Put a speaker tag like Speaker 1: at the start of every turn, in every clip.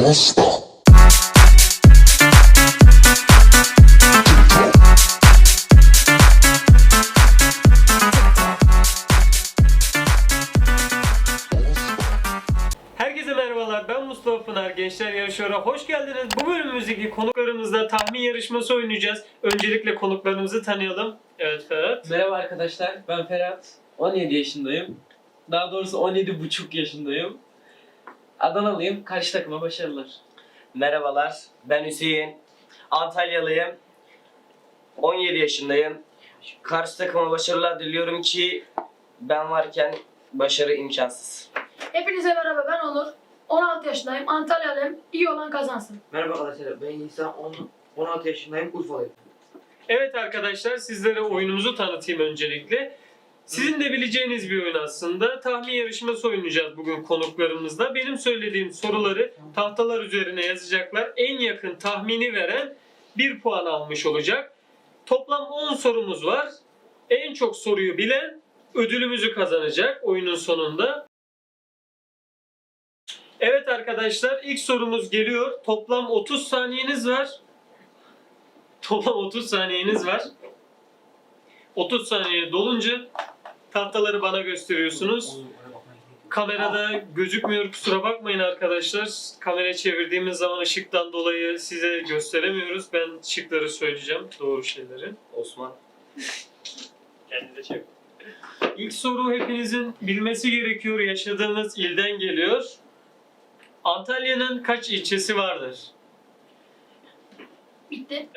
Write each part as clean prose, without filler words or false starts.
Speaker 1: Herkese merhabalar, ben Mustafa Pınar. Gençler Yarışıyor'a hoş geldiniz. Bu bölümümüzdeki konuklarımızla tahmin yarışması oynayacağız. Öncelikle konuklarımızı tanıyalım. Evet Ferhat.
Speaker 2: Merhaba arkadaşlar, ben Ferhat. 17 yaşındayım. Daha doğrusu 17,5 yaşındayım. Adanalıyım, karşı takıma başarılar.
Speaker 3: Merhabalar, ben Hüseyin. Antalyalıyım. 17 yaşındayım. Karşı takıma başarılar diliyorum ki ben varken başarı imkansız.
Speaker 4: Hepinize merhaba, ben Onur. 16 yaşındayım, Antalyalıyım. İyi olan kazansın.
Speaker 5: Merhaba arkadaşlar, ben İsa, 16 yaşındayım, Urfalıyım.
Speaker 1: Evet arkadaşlar, sizlere oyunumuzu tanıtayım öncelikle. Sizin de bileceğiniz bir oyun aslında. Tahmin yarışması oynayacağız bugün konuklarımızla. Benim söylediğim soruları tahtalar üzerine yazacaklar. En yakın tahmini veren 1 puan almış olacak. Toplam 10 sorumuz var. En çok soruyu bilen ödülümüzü kazanacak oyunun sonunda. Evet arkadaşlar, ilk sorumuz geliyor. Toplam 30 saniyeniz var. Toplam 30 saniyeniz var. 30 saniye dolunca tahtaları bana gösteriyorsunuz. Kamerada gözükmüyor, kusura bakmayın arkadaşlar. Kamerayı çevirdiğimiz zaman ışıktan dolayı size gösteremiyoruz. Ben şıkları söyleyeceğim, doğru şeyleri.
Speaker 3: Osman.
Speaker 1: Kendini de çek. İlk soru hepinizin bilmesi gerekiyor. Yaşadığınız ilden geliyor. Antalya'nın kaç ilçesi vardır?
Speaker 4: Bitti.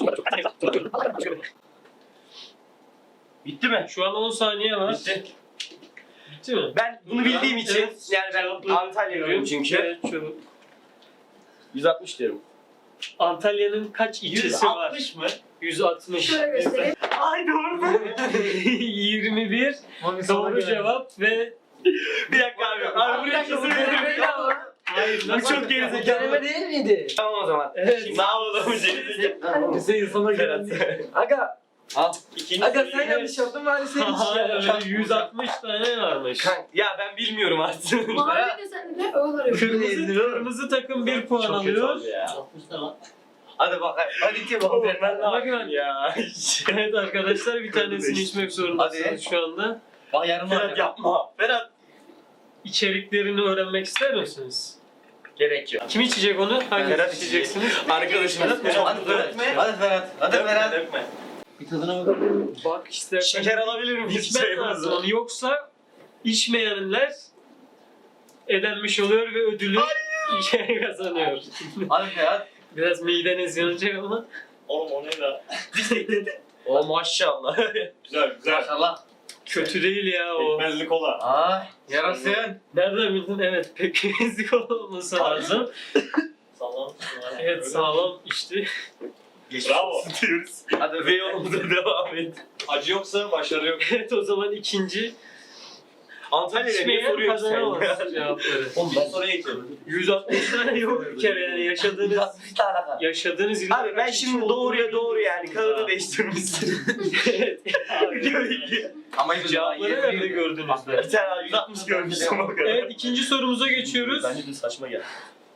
Speaker 3: Bitti mi?
Speaker 1: Şu an 10 saniye var.
Speaker 3: Bitti.
Speaker 1: Bitti mi?
Speaker 3: Ben bunu bildiğim için,
Speaker 1: Evet,
Speaker 3: yani ben
Speaker 1: cevapları
Speaker 3: Antalyalıyım çünkü.
Speaker 1: Evet, çabuk.
Speaker 3: 160 diyorum.
Speaker 1: Antalya'nın kaç ilçesi var?
Speaker 3: 160 mı?
Speaker 1: 160.
Speaker 4: Şöyle göstereyim.
Speaker 3: Ay doğru.
Speaker 1: 21 doğru cevap ve
Speaker 3: Bir dakika abi. Abi buraya kesin
Speaker 1: hayır
Speaker 3: Bu çok gerizekalı.
Speaker 5: Deneme değil miydi?
Speaker 3: Tamam o zaman.
Speaker 1: Evet.
Speaker 3: Şimdi ne yapalım gerizekalı.
Speaker 5: Hüseyin sana
Speaker 3: Ferhat.
Speaker 5: güvendim. Aga,
Speaker 3: İkinci
Speaker 5: aga
Speaker 3: soruyu-
Speaker 5: sen yanlış yaptın bari senin için.
Speaker 1: 160 tane varmış.
Speaker 3: Ya ben bilmiyorum artık.
Speaker 4: Mavi de sen de öyle oluyor.
Speaker 1: Kırmızı takım 1 puan
Speaker 3: Çok kötü
Speaker 1: alıyor.
Speaker 3: oldu ya. Hadi bak. Hadi ki bakalım. Ben ne
Speaker 1: Bakın.
Speaker 3: yapayım ya.
Speaker 1: Evet arkadaşlar, bir tanesini içmek zorundasınız
Speaker 3: Hadi.
Speaker 1: şu anda.
Speaker 5: Bak yarım
Speaker 3: Ferhat yapma. Ferhat.
Speaker 1: İçeriklerini öğrenmek ister misiniz?
Speaker 3: Gerek yok.
Speaker 1: Kim içecek onu? Hangisi
Speaker 3: Ferhat
Speaker 1: içeceksiniz?
Speaker 3: Arkadaşım.
Speaker 4: Hadi
Speaker 3: Hadi Ferhat. Hadi Ferhat. Dökme.
Speaker 5: Bir tadına bakabilir miyim?
Speaker 1: Bak istersen
Speaker 3: Şeker alabilir miyim?
Speaker 1: içmen lazım onu. Yoksa içmeyenler elenmiş oluyor ve ödülü kazanıyor.
Speaker 5: Hadi Ferhat.
Speaker 1: Biraz mideniz yanacak ama.
Speaker 3: Oğlum o ne la? O maşallah.
Speaker 6: Güzel güzel.
Speaker 5: Maşallah.
Speaker 1: Kötü değil ya o.
Speaker 6: Pekmezli kola.
Speaker 5: Ay yarasın.
Speaker 1: Nereden bildin? Evet, pek ezik olması lazım.
Speaker 6: Sağlam.
Speaker 1: Evet, sağlam içti.
Speaker 6: Bravo.
Speaker 3: Diyoruz. Hadi ve yolumuza devam et.
Speaker 6: Acı yoksa başarı yok.
Speaker 1: Evet, o zaman ikinci.
Speaker 3: Antalya'ya niye
Speaker 1: İçmeyen
Speaker 3: soruyorsun sen
Speaker 1: kazanamaz
Speaker 3: ya?
Speaker 1: cevapları.
Speaker 5: Oğlum
Speaker 6: Son soruya geçelim.
Speaker 1: 160 tane yok bir kere yani yaşadığınız ilde
Speaker 3: Abi ben şimdi doğruya doğru yani kağıdı değiştirmişsin.
Speaker 5: Ama
Speaker 1: Cevapları nerede gördünüz de?
Speaker 3: Bir tane 160 görmüşsün o kadar.
Speaker 1: Evet, ikinci sorumuza geçiyoruz.
Speaker 3: Bence de saçma geldi.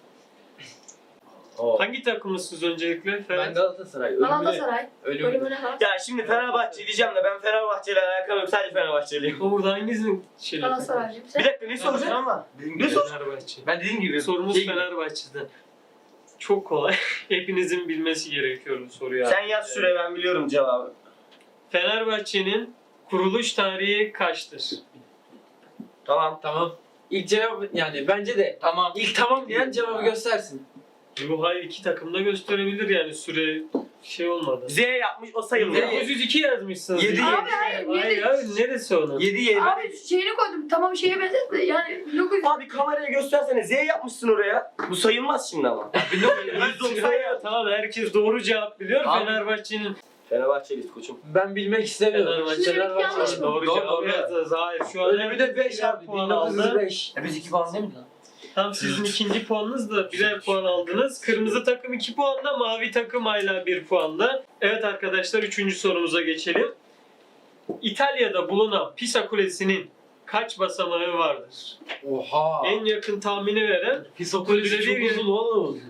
Speaker 1: Hangi takımlısınız öncelikle?
Speaker 5: Ben
Speaker 1: Ferhat.
Speaker 5: Galatasaray.
Speaker 4: Galatasaray.
Speaker 5: Ölümüne.
Speaker 4: Bölümüne bak.
Speaker 3: Ya şimdi Fenerbahçe diyeceğim de ben Fenerbahçe ile alakam yok, sadece Fenerbahçeliyim.
Speaker 1: O burada hangisinin şeyi?
Speaker 4: Galatasaray'cıyım.
Speaker 3: Bir
Speaker 4: Sen?
Speaker 3: dakika ne soracaksın ama? Ne sor?
Speaker 1: Fenerbahçe.
Speaker 5: Ben dediğim gibi.
Speaker 1: Sorumuz
Speaker 5: şey-
Speaker 1: Fenerbahçe'den. Çok kolay. Hepinizin bilmesi gerekiyor bu soruyu.
Speaker 3: Sen yaz şuraya, ben biliyorum cevabı.
Speaker 1: Fenerbahçe'nin kuruluş tarihi kaçtır?
Speaker 3: Tamam.
Speaker 5: Tamam. İlk cevap yani bence de. Tamam. İlk tamam diyen cevabı göstersin.
Speaker 1: Bu hayır, iki takım da gösterebilir yani, süre şey olmadı.
Speaker 3: Z yapmış, o sayılmıyor.
Speaker 1: 902 yazmışsınız.
Speaker 3: Yedi,
Speaker 1: Hayır,
Speaker 4: Abi hayır,
Speaker 1: hayır,
Speaker 4: yedi.
Speaker 1: neresi onun?
Speaker 3: 7 7.
Speaker 4: Abi şeyini koydum. Tamam şeye benzetti de yani 1900.
Speaker 3: Abi kameraya göstersene, Z yapmışsın oraya. Bu sayılmaz şimdi ama. 190 ya.
Speaker 1: Tamam, herkes doğru cevap biliyor.
Speaker 5: Abi.
Speaker 1: Fenerbahçe'nin
Speaker 3: Fenerbahçeliyiz koçum.
Speaker 5: Ben bilmek istemiyorum.
Speaker 1: Fenerbahçe
Speaker 4: yanlış mı?
Speaker 1: doğru
Speaker 5: Doğru,
Speaker 1: cevap
Speaker 5: doğru.
Speaker 1: yazdınız. Hayır, şu an
Speaker 5: Ölümü de
Speaker 1: herkes
Speaker 5: 5
Speaker 1: birer
Speaker 5: abi.
Speaker 1: puan aldı.
Speaker 5: 1905. Biz 2 puan değil mi lan?
Speaker 1: Tam sizin ikinci puanınız da birer puan aldınız. Kırmızı takım 2 puanla, mavi takım hala 1 puanla. Evet arkadaşlar, üçüncü sorumuza geçelim. İtalya'da bulunan Pisa Kulesi'nin kaç basamağı vardır?
Speaker 5: Oha.
Speaker 1: En yakın tahmini veren
Speaker 5: Psikolojisi
Speaker 1: ödüle
Speaker 5: çok
Speaker 1: bir
Speaker 5: uzun oğlum.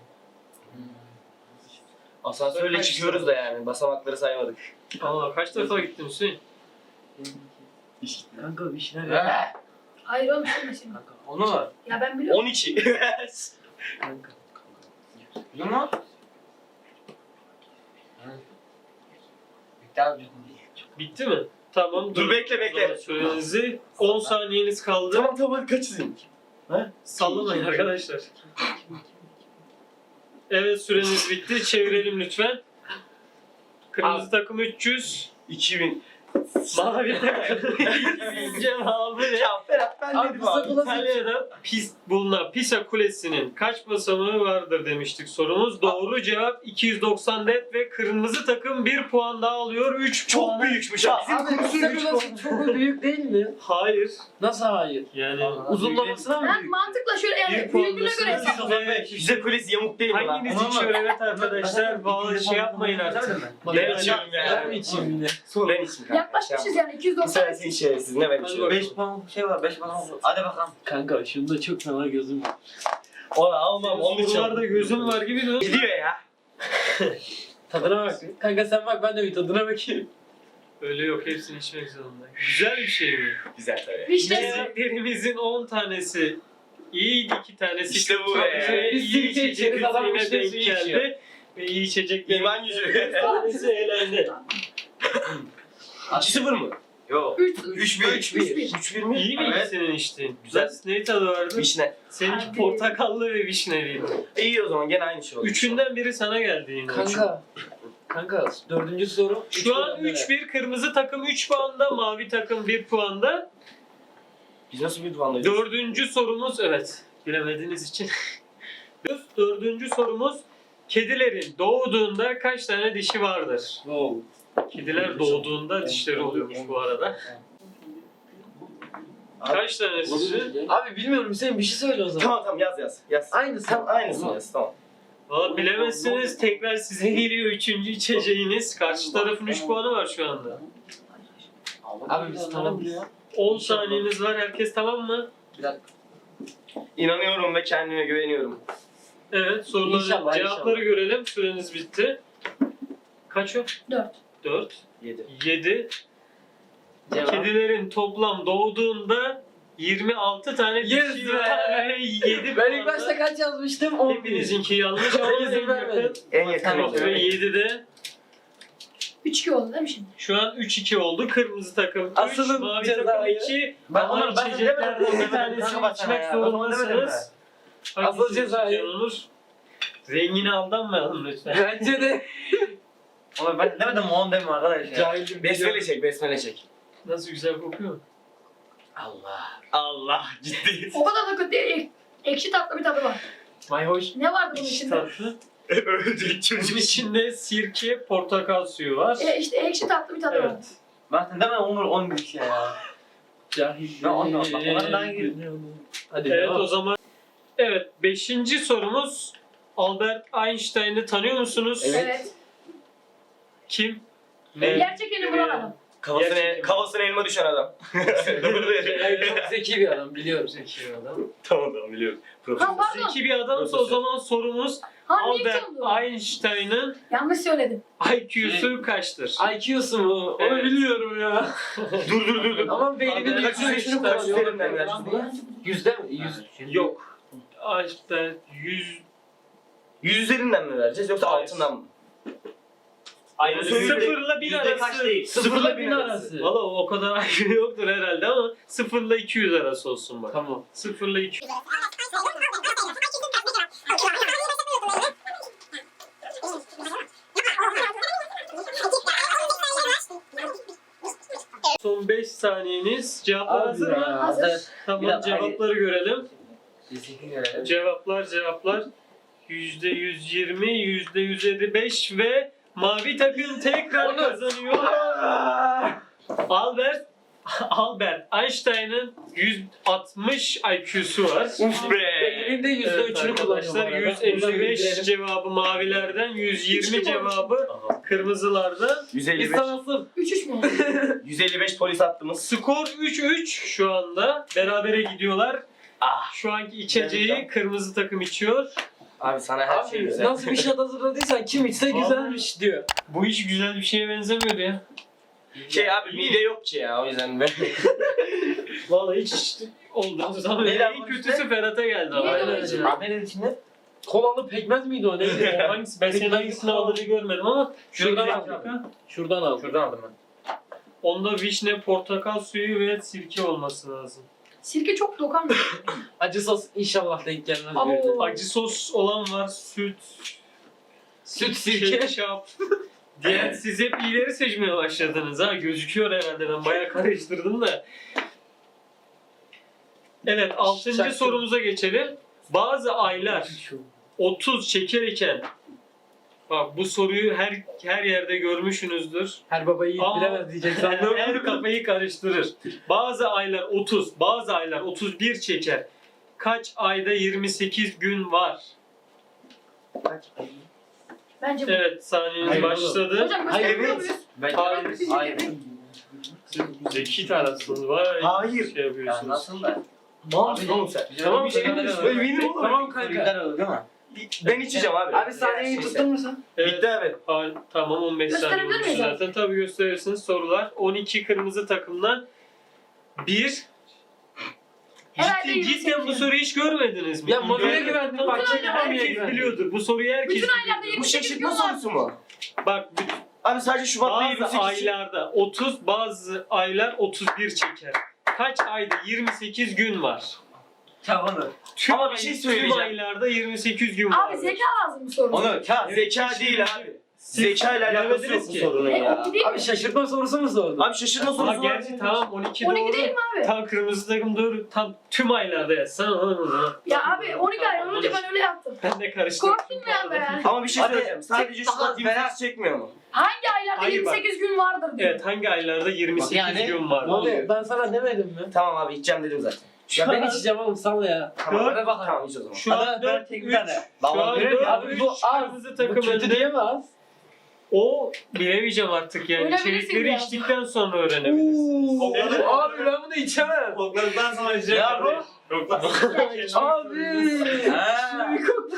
Speaker 3: Asansörle
Speaker 1: Kaç
Speaker 3: çıkıyoruz da yani. Basamakları saymadık.
Speaker 1: Allah kaç defa gittin Hüseyin?
Speaker 2: Kanka bir şeyler yap.
Speaker 4: Hayır oğlum söylemesin.
Speaker 5: Kanka, onu var.
Speaker 4: Ya ben biliyorum.
Speaker 3: 12.
Speaker 2: Kanka.
Speaker 5: Biliyor musun? Bitti abi.
Speaker 1: Bitti mi? Tamam.
Speaker 3: Dur bekle bekle.
Speaker 1: Sürenizi 10 saniyeniz kaldı.
Speaker 3: Tamam hadi kaç izin?
Speaker 1: Sallamayın arkadaşlar. Evet süreniz bitti. Çevirelim lütfen. Kırmızı takım 300.
Speaker 3: 2000.
Speaker 1: Mavi takım cevabı ne?
Speaker 3: Ya Ferhat ben
Speaker 2: Abi
Speaker 3: dedim
Speaker 2: Pisa
Speaker 3: abi.
Speaker 2: Kulesi.
Speaker 1: İtalya'da bulunan Pisa Kulesi'nin kaç basamağı vardır demiştik sorumuz. Doğru cevap 294 ve kırmızı takım 1 puan daha alıyor. 3
Speaker 3: Çok
Speaker 1: puan.
Speaker 3: büyükmüş ya. Bizim
Speaker 2: Abi
Speaker 3: kursun
Speaker 2: Pisa
Speaker 3: 3
Speaker 2: Kulesi çok büyük değil mi?
Speaker 1: Hayır.
Speaker 2: Nasıl hayır?
Speaker 1: Yani
Speaker 2: Uzunlamasına mı
Speaker 4: Ben
Speaker 2: büyük?
Speaker 4: mantıkla şöyle
Speaker 1: Bir
Speaker 4: yani büyüklüğüne göre
Speaker 1: puandasınız.
Speaker 4: hesaplıyorum.
Speaker 3: Bize kulesi yamuk değil mi lan?
Speaker 1: hanginiz içiyor evet arkadaşlar? Bağlı şey yapmayın artık.
Speaker 3: Ben içiyorum
Speaker 2: Ben
Speaker 3: yani.
Speaker 2: mi içeyim yine?
Speaker 3: Ben içim kanka.
Speaker 4: Yaklaşmışız yani
Speaker 3: Bu
Speaker 4: 290.
Speaker 3: sefer senin şerefsiz ne ben içiyorum.
Speaker 5: 5 puan şey var 5 puan. Hadi bakalım.
Speaker 2: Kanka şunda çok fena gözüm var.
Speaker 3: Ola almam onun için.
Speaker 1: Sorularda gözüm var gibi de.
Speaker 3: Gidiyor ya.
Speaker 2: Tadına bak. Kanka sen bak ben de bir tadına bakayım.
Speaker 1: Öyle yok hepsini içmek zorunda. Güzel bir şey mi?
Speaker 3: Güzel tabii.
Speaker 4: Vişne.
Speaker 1: Yemeklerimizin 10 tanesi iyiydi, 2 tanesi
Speaker 3: İşte bu
Speaker 1: kötü.
Speaker 3: be.
Speaker 1: Ve
Speaker 2: Biz
Speaker 1: iyi
Speaker 2: sirke
Speaker 1: içecek
Speaker 2: içeriz, adam
Speaker 1: yine
Speaker 2: vişne
Speaker 1: denk
Speaker 2: suyu içiyor.
Speaker 1: geldi. Ve iyi içeceklerin
Speaker 3: İman gücü.
Speaker 1: 1 tanesi eğlendi.
Speaker 3: 2-0 mı? Yok.
Speaker 4: 3-1.
Speaker 3: 3-1 mi?
Speaker 1: İyi miydi
Speaker 3: Evet.
Speaker 1: senin içtiğin?
Speaker 3: Güzel.
Speaker 1: Ne tadı vardı?
Speaker 3: Vişne.
Speaker 1: Seninki
Speaker 4: Abi.
Speaker 1: portakallı ve vişneliydi.
Speaker 3: İyi o zaman gene aynı şey oldu.
Speaker 1: Üçünden biri sana geldi yine.
Speaker 2: Kanka dördüncü soru.
Speaker 1: Şu an 3-1 kırmızı takım 3 puanda, mavi takım 1 puanda.
Speaker 3: Biz nasıl bir puandayız?
Speaker 1: Dördüncü sorumuz evet bilemediğiniz için. Dördüncü sorumuz kedilerin doğduğunda kaç tane dişi vardır?
Speaker 2: Wow.
Speaker 1: Kediler doğduğunda dişleri oluyormuş bu arada. Kaç tanesi?
Speaker 2: Abi bilmiyorum Hüseyin bir şey söyle o zaman.
Speaker 3: Tamam yaz. Yaz.
Speaker 2: Aynısı.
Speaker 3: Tamam aynısını yaz tamam.
Speaker 1: Valla bilemezsiniz tekrar size geliyor üçüncü içeceğiniz. Karşı tarafın 3 puanı var şu anda.
Speaker 2: Abi biz tamam.
Speaker 1: 10 saniyeniz var herkes tamam mı?
Speaker 3: İnanıyorum ve kendime güveniyorum.
Speaker 1: Evet soruların
Speaker 2: İnşallah,
Speaker 1: cevapları görelim. Süreniz bitti. Kaç o?
Speaker 4: 4.
Speaker 1: 4.
Speaker 3: 7.
Speaker 1: 7.
Speaker 2: Cevap.
Speaker 1: Kedilerin toplam doğduğunda 26 tane
Speaker 2: Yes
Speaker 1: dişi
Speaker 2: be!
Speaker 1: var ve 7
Speaker 2: Ben ilk başta kaç yazmıştım? 11.
Speaker 1: Hepinizinki yanlış ama
Speaker 2: İzin
Speaker 1: en
Speaker 2: vermedim.
Speaker 1: yakın.
Speaker 3: En yakın
Speaker 2: Tamam.
Speaker 3: oluyor.
Speaker 1: Ve 7'de
Speaker 4: 3-2 oldu değil mi şimdi?
Speaker 1: şu an 3-2 oldu. Kırmızı takım 3,
Speaker 2: Asılın
Speaker 1: mavi takım
Speaker 2: cezayı.
Speaker 1: 2.
Speaker 5: Ben
Speaker 1: Ama
Speaker 5: onu ben
Speaker 1: içeceklerden
Speaker 5: demedim.
Speaker 1: bir tanesini
Speaker 5: Kanka bak sana
Speaker 1: içmek
Speaker 5: ya. Ben onu demedim
Speaker 1: zorundasınız.
Speaker 2: Asıl
Speaker 1: Hangisi
Speaker 2: cezayı.
Speaker 1: içeceğin olur? Rengine aldanmayalım lütfen.
Speaker 2: Bence de.
Speaker 5: Ama ben demedim 10 deme arkadaş ya.
Speaker 2: Cahilim.
Speaker 3: Besmele çek.
Speaker 1: Nasıl güzel kokuyor.
Speaker 3: Allah. Allah ciddi.
Speaker 4: O kadar da kötü değil. Ekşi tatlı bir tadı var.
Speaker 2: Mayhoş.
Speaker 4: Ne vardı bunun
Speaker 1: İçi
Speaker 4: içinde?
Speaker 1: tatlı.
Speaker 3: Ölecek
Speaker 1: Bunun
Speaker 3: çocuk.
Speaker 1: içinde sirke, portakal suyu var.
Speaker 4: İşte ekşi tatlı bir tadı var.
Speaker 1: Evet.
Speaker 5: Ben sen deme 10 bir şey ya.
Speaker 2: Cahil.
Speaker 5: Ya ondan bak, onların daha iyi.
Speaker 2: Hadi
Speaker 1: Evet
Speaker 2: devam.
Speaker 1: o zaman. Evet 5. sorumuz. Albert Einstein'ı tanıyor musunuz?
Speaker 4: Evet.
Speaker 1: Kim?
Speaker 4: Gerçekini bulan adam.
Speaker 3: Kafasına elma düşen adam.
Speaker 2: Cahil çok zeki bir adam biliyorum.
Speaker 1: Zeki bir adam.
Speaker 3: Tamam biliyorum.
Speaker 4: Ha pardon.
Speaker 1: Zeki bir adamsa o zaman sorumuz
Speaker 4: Ha
Speaker 1: Albert
Speaker 4: Newton'du.
Speaker 1: Einstein'ın
Speaker 4: Yanlış söyledim.
Speaker 1: IQ'su kaçtır?
Speaker 2: IQ'su mu? Onu
Speaker 1: Evet.
Speaker 2: biliyorum ya.
Speaker 3: Dur.
Speaker 2: Ama beyninin
Speaker 1: Albert
Speaker 2: üçünü
Speaker 1: Einstein
Speaker 2: kullanıyor.
Speaker 3: üzerinden ver.
Speaker 2: Yüzde mi? 100.
Speaker 1: Yok. Einstein
Speaker 3: 100 üzerinden mi vereceğiz yoksa
Speaker 1: Hayır.
Speaker 3: altından mı?
Speaker 1: Sıfırla 1000 arası.
Speaker 2: Sıfırla 1000 arası.
Speaker 1: Valla o kadar IQ yoktur herhalde ama 0 ile 200 arası olsun bak.
Speaker 2: Tamam.
Speaker 1: 0 ile 200. Son 5 saniyeniz. Cevaplar
Speaker 2: Abi
Speaker 1: hazır
Speaker 2: ya.
Speaker 1: mı?
Speaker 4: Hazır.
Speaker 1: Tamam
Speaker 2: Biraz
Speaker 1: cevapları görelim.
Speaker 2: Kesinlikle görelim.
Speaker 1: Cevaplar. %120, %155 ve mavi takım tekrar kazanıyor. Albert Einstein'ın 160 IQ'su var.
Speaker 3: Uf be.
Speaker 2: Beyninin de
Speaker 1: Evet
Speaker 2: %3'ünü kullanıyor.
Speaker 1: arkadaşlar
Speaker 2: bu arada. Bunu da
Speaker 1: 155
Speaker 2: bildirelim.
Speaker 1: cevabı mavilerden, 120 cevabı Kırmızılarda.
Speaker 3: 155.
Speaker 2: İstanbul.
Speaker 4: 3-3 mü oldu?
Speaker 3: 155 polis attığımız.
Speaker 1: Skor 3-3 şu anda. Berabere gidiyorlar. Şu anki içeceği kırmızı takım içiyor.
Speaker 3: Abi sana her şey
Speaker 2: Abi
Speaker 3: güzel.
Speaker 2: nasıl bir şat hazırladıysan kim içse güzelmiş diyor.
Speaker 1: Bu hiç güzel bir şeye benzemiyor ya.
Speaker 3: Şey abi mide yok ki ya o yüzden ben.
Speaker 1: Vallahi hiç içti. Oldu. O zaman
Speaker 3: Neyden
Speaker 1: en
Speaker 3: bu
Speaker 1: kötüsü Ferhat'a geldi.
Speaker 4: Niye
Speaker 1: Ama.
Speaker 4: de
Speaker 1: Aynen
Speaker 4: içinde?
Speaker 1: öyle.
Speaker 3: Abi ne dedi içinde?
Speaker 2: Kolalı pekmez miydi o neydi?
Speaker 1: O hangisi? Ben senin hangisini aldığını görmedim ama
Speaker 2: Şuradan
Speaker 1: şöyle
Speaker 2: aldım.
Speaker 1: bir dakika.
Speaker 2: Şuradan al.
Speaker 5: Şuradan aldım ben.
Speaker 1: Onda vişne, portakal suyu ve sirke olması lazım.
Speaker 4: Sirke çok dokanmıyor.
Speaker 2: Acı sos inşallah denk gelmez.
Speaker 4: Abo.
Speaker 2: birine.
Speaker 1: Acı sos olan var, süt,
Speaker 2: Süt sirke.
Speaker 1: ketçap. Diğer siz hep iyileri seçmeye başladınız ha. Gözüküyor herhalde, ben bayağı karıştırdım da. Evet, 6.
Speaker 2: Şaşkın.
Speaker 1: sorumuza geçelim. Bazı aylar 30 şeker iken, bak bu soruyu her yerde görmüşsünüzdür.
Speaker 2: Her baba yiğit
Speaker 1: Ama-
Speaker 2: bilemez diyecek sandım.
Speaker 1: Her kafayı karıştırır. Bazı aylar 30, bazı aylar 31 çeker. Kaç ayda 28 gün var?
Speaker 4: Bence bu.
Speaker 1: Evet, saniyeniz
Speaker 2: Hayır,
Speaker 1: başladı.
Speaker 4: Hocam
Speaker 2: Hayır,
Speaker 4: gösterebiliyor
Speaker 3: evet.
Speaker 4: muyuz?
Speaker 3: Ben
Speaker 1: Hayır.
Speaker 3: Hayır.
Speaker 1: Zeki tarafsınız. Vay.
Speaker 3: Hayır.
Speaker 1: Şey
Speaker 3: Ya
Speaker 1: yapıyorsunuz.
Speaker 3: nasıl da?
Speaker 2: Ne
Speaker 3: Abi oğlum sen.
Speaker 1: Tamam,
Speaker 3: bir şey
Speaker 1: tamam.
Speaker 3: diyorsun. Eminim oğlum.
Speaker 2: Tamam kanka.
Speaker 5: oldu değil mi?
Speaker 3: Ben içeceğim abi.
Speaker 2: Abi saniyeyi tuttun mu sen?
Speaker 1: Evet.
Speaker 3: Bitti abi.
Speaker 1: Tamam, 15 saniye
Speaker 4: Gösterebilir
Speaker 1: olmuş
Speaker 4: miyiz abi?
Speaker 1: zaten. Tabii gösterirsiniz. Sorular. 12 kırmızı takımdan 1.
Speaker 4: Herhalde
Speaker 1: Cidden
Speaker 4: 28
Speaker 1: bu soruyu hiç görmediniz mi?
Speaker 2: Ya Mami'ye
Speaker 1: Görmedim.
Speaker 2: güvendim.
Speaker 1: Tabii
Speaker 2: Bak
Speaker 1: canım,
Speaker 2: yine Mami'ye
Speaker 1: herkes
Speaker 2: güvendim.
Speaker 1: biliyordur. Bu soruyu herkes
Speaker 4: Bütün aylarda
Speaker 1: biliyordur.
Speaker 3: Bu
Speaker 4: 28 gün
Speaker 3: şaşırtma
Speaker 4: var.
Speaker 3: sorusu mu?
Speaker 1: Bak,
Speaker 3: Abi sadece Şubat'ta
Speaker 1: bazı
Speaker 3: 28.
Speaker 1: aylarda 30, bazı aylar 31 çeker. Kaç ayda 28 gün var?
Speaker 5: Tamam.
Speaker 1: Tüm,
Speaker 3: Ama bir şey söyleyeceğim.
Speaker 1: Tüm aylarda 28 gün var.
Speaker 4: Abi zeka lazım bu soruda.
Speaker 5: Onu
Speaker 3: Zeka değil abi. Zeka ile alakası yok
Speaker 1: bilemediniz
Speaker 3: bu
Speaker 1: ki.
Speaker 3: sorunun ya.
Speaker 4: 12 değil mi?
Speaker 2: Abi şaşırtma sorusu mu sordun?
Speaker 3: Abi şaşırtma
Speaker 1: Ama
Speaker 3: sorusu var.
Speaker 1: gerçi tamam 12
Speaker 4: 12
Speaker 1: doğru.
Speaker 4: değil mi abi?
Speaker 1: Tam kırmızı takım doğru. Tam tüm aylarda yazsana.
Speaker 4: Ya abi 12 ay önce ben öyle yaptım.
Speaker 1: Ben de karıştırdım.
Speaker 4: Korktun mu ya be?
Speaker 3: Ama bir şey
Speaker 5: Hadi,
Speaker 3: söyleyeceğim. Sadece
Speaker 5: çek-
Speaker 3: Şubat
Speaker 5: daha
Speaker 3: 28 çekmiyor mu?
Speaker 4: Hangi aylarda
Speaker 1: Hayır bak.
Speaker 4: 28 gün vardır diyor.
Speaker 1: Evet, hangi aylarda 28
Speaker 5: Yani-
Speaker 1: gün var?
Speaker 2: Abi ben sana demedim mi?
Speaker 3: Tamam abi içeceğim dedim zaten.
Speaker 2: Ya ben içeceğim oğlum sal ya.
Speaker 3: Tamam.
Speaker 1: Dört.
Speaker 3: Hadi bakalım. Tamam iç o zaman.
Speaker 1: Şu an
Speaker 5: Hadi,
Speaker 1: 4
Speaker 5: tek bir
Speaker 1: 3.
Speaker 5: tane.
Speaker 1: Şu
Speaker 5: Babam
Speaker 1: an
Speaker 5: verir
Speaker 1: 4
Speaker 2: Abi
Speaker 1: 3
Speaker 2: bu az.
Speaker 1: kırmızı
Speaker 2: Bu
Speaker 1: takım
Speaker 2: kötü
Speaker 1: önde.
Speaker 2: diyemez.
Speaker 1: O bilemeyeceğim artık yani.
Speaker 4: Öyle bilirsin
Speaker 1: İçerikleri
Speaker 4: ya.
Speaker 1: içtikten sonra öğrenebilirsiniz.
Speaker 5: Evet.
Speaker 2: Abi ben bunu içemem.
Speaker 6: Kokladıktan sonra içecek.
Speaker 5: Ya bu.
Speaker 2: Abi.
Speaker 5: Ha.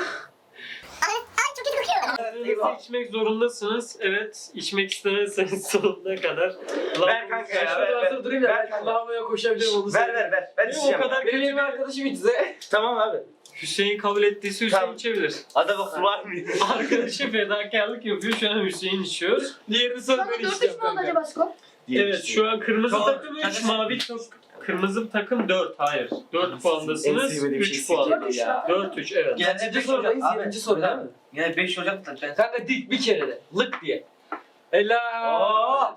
Speaker 1: Kırmızı içmek zorundasınız. Evet, içmek istemezseniz sonuna kadar.
Speaker 3: Ver kanka ya.
Speaker 2: Şurada
Speaker 3: Ver,
Speaker 2: hazır durayım da
Speaker 3: ver
Speaker 2: ben
Speaker 3: kanka.
Speaker 2: lavaboya koşabilirim onu
Speaker 3: Ver
Speaker 2: söyleyeyim.
Speaker 3: ver ver. Ben
Speaker 1: Benim o
Speaker 3: içeceğim.
Speaker 1: kadar
Speaker 2: Benim
Speaker 1: kötü.
Speaker 2: yeni arkadaşım içse.
Speaker 3: Tamam abi.
Speaker 1: Hüseyin kabul ettiyse Hüseyin
Speaker 3: Tamam.
Speaker 1: içebilir.
Speaker 3: Hadi bakalım var mı?
Speaker 1: Arkadaşı fedakarlık yapıyor. Şu an Hüseyin içiyor.
Speaker 2: Diğerini söz
Speaker 4: Sana
Speaker 2: ben
Speaker 4: 4-3
Speaker 2: içeceğim
Speaker 4: mü oldu
Speaker 2: kanka.
Speaker 4: acaba skor?
Speaker 1: Evet, şu an kırmızı
Speaker 5: Tamam.
Speaker 1: takım 3, mavi takım. Kırmızı takım 4. Hayır. 4
Speaker 3: En
Speaker 1: puandasınız.
Speaker 3: sevmediğim şey
Speaker 1: 3 puan.
Speaker 4: 4-3
Speaker 3: ya.
Speaker 4: zaten.
Speaker 1: 4-3 evet.
Speaker 5: Yani
Speaker 2: Kaçıncı
Speaker 5: 5
Speaker 2: sorudayız?
Speaker 5: Ocak.
Speaker 2: 7. soru değil mi?
Speaker 5: Yani 5 Ocak'ta ben.
Speaker 2: Kanka dik bir kere de. Lık diye. Helal.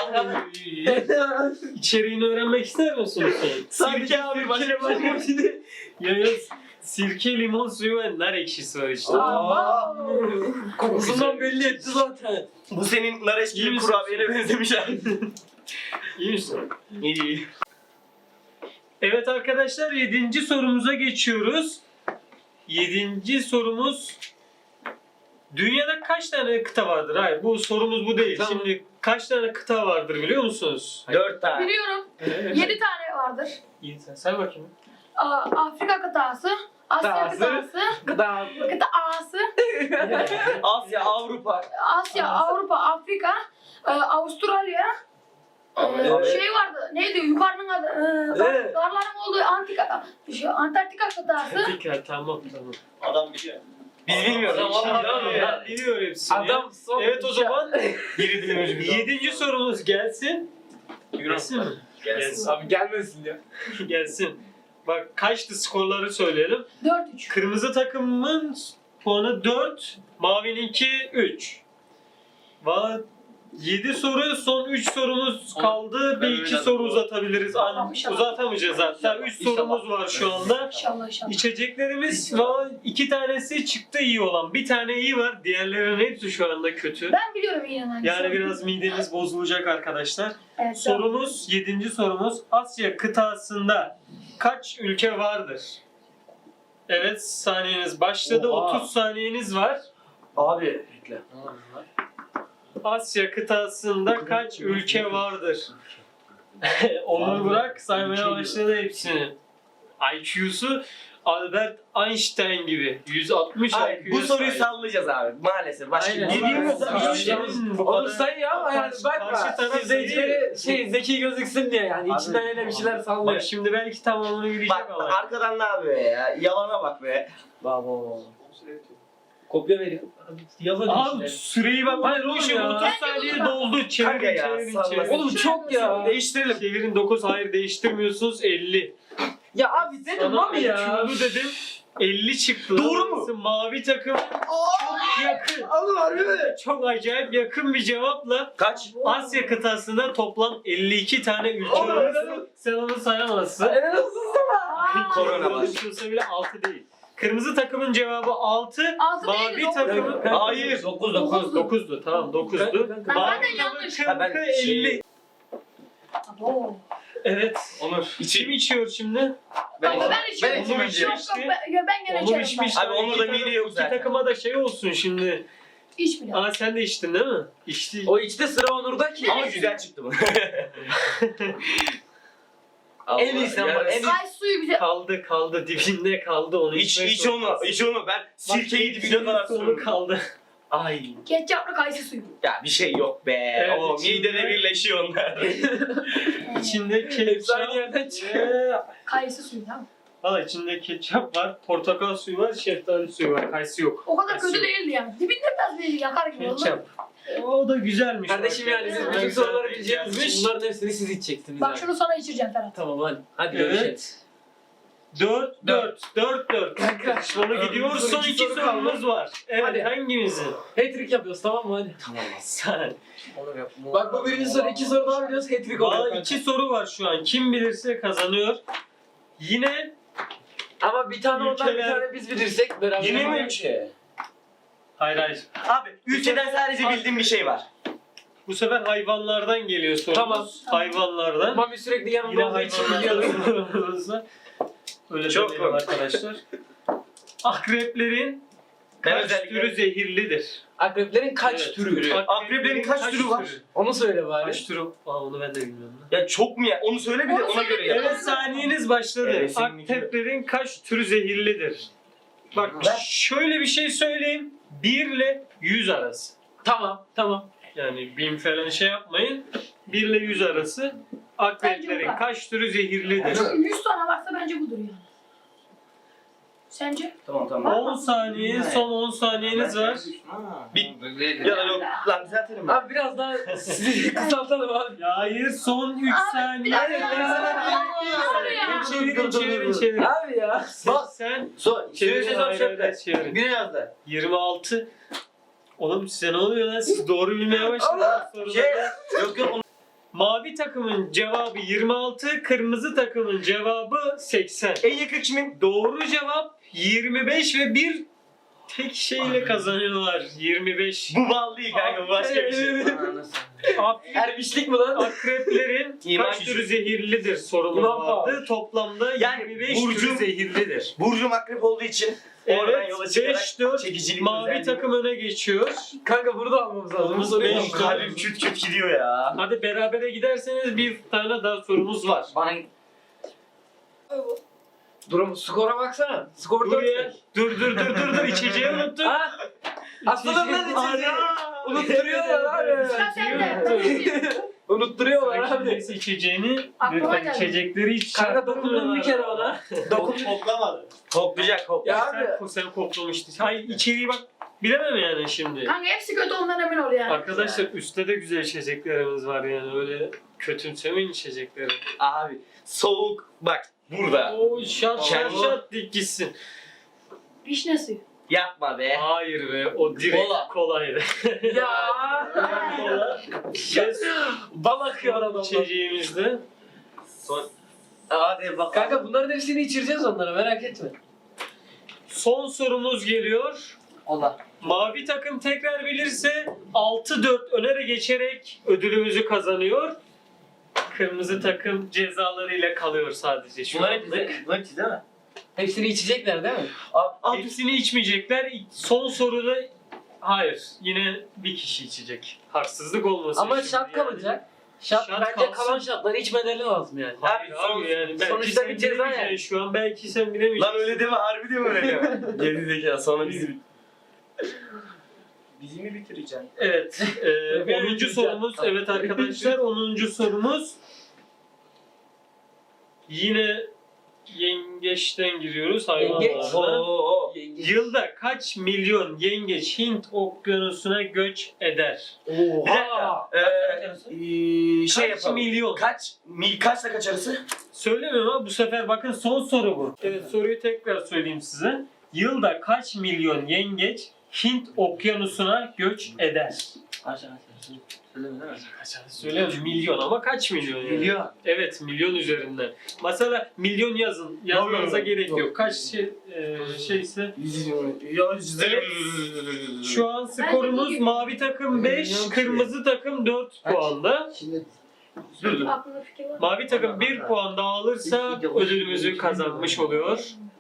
Speaker 1: İçeriğini öğrenmek ister misin Hüseyin?
Speaker 3: Sirke abi başka başka.
Speaker 1: Yağız, sirke, limon suyu ve nar ekşisi var işte.
Speaker 4: Aa,
Speaker 2: Kokusundan belli etti zaten.
Speaker 3: Bu senin nar
Speaker 1: İyi
Speaker 3: eşkili
Speaker 1: misin?
Speaker 3: kurabiyene benzemiş abi.
Speaker 1: İyi misin?
Speaker 3: İyi.
Speaker 1: Evet arkadaşlar, 7. sorumuza geçiyoruz. 7. sorumuz: dünyada kaç tane kıta vardır? Hayır, bu sorumuz bu değil.
Speaker 2: Tamam.
Speaker 1: Şimdi kaç tane kıta vardır biliyor musunuz?
Speaker 3: 4 tane.
Speaker 4: Biliyorum. 7 tane vardır.
Speaker 1: İyi, sen say bakayım.
Speaker 4: Afrika kıtası, Asya
Speaker 2: Kıtası.
Speaker 4: kıtası,
Speaker 2: Gıda.
Speaker 4: kıtası,
Speaker 3: Asya, Avrupa.
Speaker 4: Asya, Avrupa, Afrika, Avustralya.
Speaker 3: Evet.
Speaker 4: Şey vardı, neydi yukarının adı,
Speaker 2: Evet.
Speaker 4: dağların olduğu Antarktika kıtası.
Speaker 1: Dikkat, tamam.
Speaker 6: Adam biliyor.
Speaker 3: Biz bilmiyoruz.
Speaker 1: Ben biliyorum hepsini.
Speaker 2: Adam son.
Speaker 1: Evet, o zaman
Speaker 3: Biri dinlemiş
Speaker 1: 7. sorumuz gelsin. Gelsin mi?
Speaker 3: Gelsin.
Speaker 2: Abi gelmesin ya.
Speaker 1: Gelsin. Bak, kaçtı skorları söyleyelim.
Speaker 4: 4-3.
Speaker 1: Kırmızı takımın puanı 4, mavininki 3. 7 soru, son 3 sorumuz kaldı. Bir iki soru uzatabiliriz.
Speaker 4: İnşallah.
Speaker 1: Uzatamayacağız hatta. 3 sorumuz var şu anda.
Speaker 4: İnşallah inşallah.
Speaker 1: İçeceklerimiz var. 2 tanesi çıktı iyi olan. Bir tane iyi var. Diğerlerinin hepsi şu anda kötü.
Speaker 4: Ben biliyorum yine hangisi.
Speaker 1: Yani biraz mideniz bozulacak arkadaşlar.
Speaker 4: Evet,
Speaker 1: Sorumuz, 7. sorumuz: Asya kıtasında kaç ülke vardır? Evet, saniyeniz başladı.
Speaker 2: Oha.
Speaker 1: 30 saniyeniz var.
Speaker 3: Abi.
Speaker 2: Bekle.
Speaker 1: Asya kıtasında kaç ülke vardır? Onur Burak saymaya başladı hepsini. IQ'su Albert Einstein gibi. 160
Speaker 3: Abi,
Speaker 1: IQ'yu
Speaker 3: bu soruyu
Speaker 1: sahip.
Speaker 3: sallayacağız abi. Maalesef. Başka
Speaker 2: Aynen.
Speaker 3: bir bilmiyoruz
Speaker 1: Aynen.
Speaker 3: abi.
Speaker 1: Aynen. Bu
Speaker 2: Onu
Speaker 1: kadar-
Speaker 2: sayıyor ama yani
Speaker 1: Karşı
Speaker 2: bakma.
Speaker 1: taraf
Speaker 2: İzleyicileri
Speaker 1: sayıyor.
Speaker 2: zeki gözüksün diye yani
Speaker 3: Abi,
Speaker 2: içinden öyle bir şeyler sallıyor.
Speaker 1: Bak şimdi belki tamamını bilecek
Speaker 3: Bak
Speaker 1: ama.
Speaker 3: arkadan ne yapıyor ya? Yalana bak be.
Speaker 2: Baba. Kopya veriyor. Yalan
Speaker 1: Abi
Speaker 2: işte.
Speaker 1: süreyi bak.
Speaker 2: Hayır oğlum
Speaker 1: Konuşun,
Speaker 2: ya.
Speaker 1: 30 saniye doldu.
Speaker 3: Kanka
Speaker 1: Çevirin
Speaker 3: ya,
Speaker 1: çevirin
Speaker 3: salla.
Speaker 1: çevirin.
Speaker 2: Oğlum çok ya.
Speaker 3: Değiştirelim.
Speaker 1: Çevirin 9 hayır değiştirmiyorsunuz 50.
Speaker 2: Ya abi dedim
Speaker 1: Sana
Speaker 2: abi ya.
Speaker 1: IQ'lu dedim 50 çıktı.
Speaker 3: Doğru mu?
Speaker 1: Mavi takım çok yakın.
Speaker 3: Oğlum harbi mi?
Speaker 1: Çok acayip yakın bir cevapla
Speaker 3: Kaç?
Speaker 1: Asya kıtasında toplam 52 tane ülke
Speaker 3: Oğlum,
Speaker 1: var.
Speaker 3: helal
Speaker 1: Sen onu sayamazsın.
Speaker 2: En azından.
Speaker 3: Korona var.
Speaker 1: Konuşulsa bile 6 değil. Kırmızı takımın cevabı 6.
Speaker 4: Altı
Speaker 1: Mavi
Speaker 4: değil, dokuz.
Speaker 1: takımın...
Speaker 3: Hayır.
Speaker 1: 9
Speaker 4: Dokuz.
Speaker 1: 9'du tamam 9'du.
Speaker 4: Ben
Speaker 1: Mavi
Speaker 4: zaten
Speaker 1: takımın
Speaker 4: yanlış.
Speaker 3: Ha, ben
Speaker 1: 40'ı 50.
Speaker 4: Abo.
Speaker 1: Evet.
Speaker 3: Onur.
Speaker 1: Kim içiyor şimdi?
Speaker 4: Kanka ben içiyorum.
Speaker 2: ben içeyim önce.
Speaker 4: Yok yok ben gene
Speaker 1: Onu
Speaker 4: içerim.
Speaker 1: içmiş.
Speaker 3: Abi onun da
Speaker 1: İki
Speaker 3: mide yok
Speaker 1: iki
Speaker 3: zaten.
Speaker 1: takıma da şey olsun şimdi.
Speaker 4: İç bile.
Speaker 1: Aa sen de içtin değil mi? İçti.
Speaker 2: O içte sıra Onur'da ki.
Speaker 3: Ama güzel çıktı bu.
Speaker 2: En iyisi ama en iyisi.
Speaker 4: Kay suyu güzel.
Speaker 1: Kaldı dibinde kaldı onu
Speaker 3: İç
Speaker 1: içmek
Speaker 3: iç onu.
Speaker 1: zorundasın.
Speaker 3: İç onu. Ben sirkeyi dibine kadar
Speaker 1: Onu
Speaker 3: sürdüm.
Speaker 1: kaldı.
Speaker 3: Ay.
Speaker 4: Ketçaplı kayısı suyu.
Speaker 3: Ya bir şey yok be.
Speaker 1: Evet,
Speaker 3: o
Speaker 1: içinde-
Speaker 3: midede birleşiyor onlar.
Speaker 1: İçinde
Speaker 2: Hepsi
Speaker 1: ketçap.
Speaker 2: aynı yerden çıkıyor.
Speaker 4: Kayısı suyu tamam.
Speaker 1: Valla içinde ketçap var, portakal suyu var, şeftali suyu var. Kayısı yok.
Speaker 4: O kadar
Speaker 1: Kayısı
Speaker 4: kötü
Speaker 1: yok.
Speaker 4: değildi yani. Dibinde biraz bir yakar gibi oldu.
Speaker 1: Ketçap. O da güzelmiş.
Speaker 2: Kardeşim
Speaker 1: bak.
Speaker 2: yani siz
Speaker 4: Evet.
Speaker 2: bütün
Speaker 1: Güzel
Speaker 2: soruları
Speaker 1: bir
Speaker 2: bileceğiniz
Speaker 1: gelmiş.
Speaker 2: için bunların hepsini siz içeceksiniz.
Speaker 4: Bak
Speaker 2: yani.
Speaker 4: şunu sana içireceğim Ferhat.
Speaker 2: Tamam hadi görüşelim.
Speaker 1: Evet. 4-4.
Speaker 2: Kanka.
Speaker 1: Sonra gidiyor. Son iki
Speaker 2: soru
Speaker 1: sorumuz var. Evet
Speaker 2: Hadi.
Speaker 1: hangimizi?
Speaker 2: Hat-trick yapıyoruz tamam mı hadi.
Speaker 3: Tamam.
Speaker 1: Sen.
Speaker 2: Bak bu birinci soru, iki soru daha biliyoruz hat-trick oluyor.
Speaker 1: Valla
Speaker 2: kanka.
Speaker 1: 2 soru var şu an. Kim bilirse kazanıyor. Yine
Speaker 2: Ama bir tane ondan bir
Speaker 1: Ülkeler-
Speaker 2: tane biz bilirsek beraber.
Speaker 3: Yine mi
Speaker 2: yapamayız.
Speaker 3: ülke?
Speaker 1: hayır.
Speaker 3: Abi ülkeden sadece bildiğim bir şey var.
Speaker 1: Bu sefer hayvanlardan geliyor sorumuz.
Speaker 2: Tamam.
Speaker 1: Hayvanlardan.
Speaker 2: Mami sürekli
Speaker 1: Yine
Speaker 2: yanımda olduğu için biliyorum.
Speaker 1: hayvanlardan. Öyle
Speaker 3: Çok
Speaker 1: demeyelim
Speaker 3: komik.
Speaker 1: arkadaşlar. Akreplerin
Speaker 3: Ben
Speaker 1: kaç
Speaker 3: özellikle-
Speaker 1: türü zehirlidir?
Speaker 2: Akreplerin kaç
Speaker 1: Evet,
Speaker 2: türü?
Speaker 3: Akreplerin kaç türü var?
Speaker 2: Onu söyle bari.
Speaker 1: Kaç türü? Aa onu ben de bilmiyorum.
Speaker 3: Ya çok mu ya? Onu söyle bir de
Speaker 4: Onu
Speaker 3: ona
Speaker 4: söyle
Speaker 3: göre
Speaker 4: bir
Speaker 3: ya.
Speaker 4: de.
Speaker 1: Evet saniyeniz başladı.
Speaker 3: Evet, senin
Speaker 1: Akreplerin kaç türü zehirlidir? Bak
Speaker 3: Ben-
Speaker 1: şöyle bir şey söyleyeyim. 1 ile 100 arası.
Speaker 2: Tamam.
Speaker 1: Yani 1000 falan şey yapmayın. 1 ile 100 arası. Akreplerin
Speaker 4: Bence bu.
Speaker 1: kaç türü zehirlidir?
Speaker 4: 100 tane varsa bence budur yani. Sence?
Speaker 3: Tamam.
Speaker 1: 10 saniye, son 10 saniyeniz var.
Speaker 3: Ya da yok. Lan düzeltelim mi?
Speaker 2: Abi biraz daha sizi kısaltalım abi.
Speaker 1: Ya hayır son 3 saniye.
Speaker 4: bir dakika.
Speaker 1: Çevirin.
Speaker 2: Abi ya.
Speaker 1: Sen
Speaker 3: Çevirin
Speaker 1: çevirin.
Speaker 3: Bir yazdı.
Speaker 1: 26. Oğlum size ne oluyor lan? Siz doğru bilmeye başladınız
Speaker 3: Şey,
Speaker 1: soruları.
Speaker 3: yok.
Speaker 1: Mavi takımın cevabı 26, kırmızı takımın cevabı 80.
Speaker 3: En yakın kimin?
Speaker 1: Doğru cevap 25 ve bir tek şeyle kazanıyorlar. 25.
Speaker 3: Bu bal değil kanka, bu başka bir şey.
Speaker 2: Ermişlik mi lan?
Speaker 1: Akreplerin
Speaker 3: İman
Speaker 1: kaç
Speaker 3: gücü.
Speaker 1: türü zehirlidir sorumuz
Speaker 2: İman
Speaker 1: vardı. Toplamda
Speaker 3: Yani
Speaker 1: 25
Speaker 3: Burcu-
Speaker 1: türü zehirlidir.
Speaker 3: Burcum akrep olduğu için oradan
Speaker 1: Evet
Speaker 3: yola çıkarak
Speaker 1: 5-4
Speaker 3: çekicilik
Speaker 1: mavi
Speaker 3: özelliği-
Speaker 1: takım öne geçiyor.
Speaker 2: Kanka bunu da almamız lazım. Bu soruyu
Speaker 1: Beş-
Speaker 2: almamız lazım.
Speaker 3: Kalbim küt küt gidiyor ya.
Speaker 1: Hadi berabere giderseniz bir tane daha sorumuz var.
Speaker 3: Bana
Speaker 2: Durum skora baksana. Skor
Speaker 1: Dur
Speaker 2: 4.
Speaker 1: ya. Dur içeceği unuttum.
Speaker 2: Ha? Aslında lan içeceği. Unutturuyorlar abi.
Speaker 4: Sıra sende.
Speaker 2: Unutturuyorlar abi.
Speaker 1: Neyse içeceğini
Speaker 4: Aklıma
Speaker 1: lütfen
Speaker 4: geldi.
Speaker 1: içecekleri hiç
Speaker 2: Kanka dokundun bir kere ona. Dokun.
Speaker 6: Toplamadı.
Speaker 3: koklayacak kok.
Speaker 2: Ya
Speaker 1: Sen koklamıştın. Hayır içeriği bak bilemem yani şimdi.
Speaker 4: Kanka hepsi kötü ondan emin ol yani.
Speaker 1: Arkadaşlar üstte de güzel içeceklerimiz var yani öyle kötümsemeyin içecekleri.
Speaker 3: Abi soğuk bak burada.
Speaker 1: Oo şat
Speaker 3: Kendi-
Speaker 1: dik gitsin.
Speaker 4: Vişne suyu.
Speaker 3: Yapma be.
Speaker 1: Hayır be o direkt
Speaker 3: Kola.
Speaker 1: kolaydı.
Speaker 2: ya.
Speaker 1: Kola. Yes.
Speaker 2: Bal akıyor adamdan.
Speaker 1: İçeceğimizde.
Speaker 3: Hadi bak.
Speaker 2: Kanka bunların hepsini içireceğiz onlara merak etme.
Speaker 1: Son sorumuz geliyor.
Speaker 3: Allah.
Speaker 1: Mavi takım tekrar bilirse 6-4 önere geçerek ödülümüzü kazanıyor. Kırmızı takım cezalarıyla kalıyor sadece şu
Speaker 3: Bunlar
Speaker 1: anlık.
Speaker 3: hepsi değil mi?
Speaker 2: Hepsini içecekler değil mi?
Speaker 3: Al.
Speaker 1: Hepsini içmeyecekler. Son soruda Hayır. Yine bir kişi içecek. Haksızlık olmasın.
Speaker 2: Ama
Speaker 1: şimdi
Speaker 2: şart
Speaker 1: yani.
Speaker 2: kalacak. Şart,
Speaker 1: Şart
Speaker 2: bence
Speaker 1: kalsın.
Speaker 2: kalan şartları içmeleri lazım yani.
Speaker 1: Hayır abi yani belki
Speaker 2: sonuçta
Speaker 1: sen
Speaker 2: bir ceza
Speaker 1: bilemeyeceksin
Speaker 2: yani.
Speaker 1: şu an. Belki sen bilemeyeceksin.
Speaker 3: Lan öyle deme, harbi diyorum öyle deme. Geri zekalı, sonra bizi mi bitireceksin?
Speaker 1: Evet. 10. sorumuz. Evet arkadaşlar 10. sorumuz. Yine yengeçten giriyoruz hayvanlardan. Yılda kaç milyon yengeç Hint okyanusuna göç eder?
Speaker 3: Bir dakika. Şey
Speaker 1: Kaç
Speaker 3: yapalım.
Speaker 1: milyon?
Speaker 3: Kaçla kaç arası?
Speaker 1: Söylemiyorum ama bu sefer bakın son soru bu. Evet soruyu tekrar söyleyeyim size. Yılda kaç milyon yengeç Hint okyanusuna göç eder? Söylüyorum milyon ama kaç milyon yani?
Speaker 3: Milyon.
Speaker 1: Evet milyon üzerinden. Mesela milyon yazın. Yazmanıza gerek yok. Kaç şeyse. Şu an skorumuz mavi takım 5, kırmızı takım 4 puanda.
Speaker 4: Aklında fikir var.
Speaker 1: Mavi takım 1 puan daha alırsa ödülümüzü kazanmış oluyor.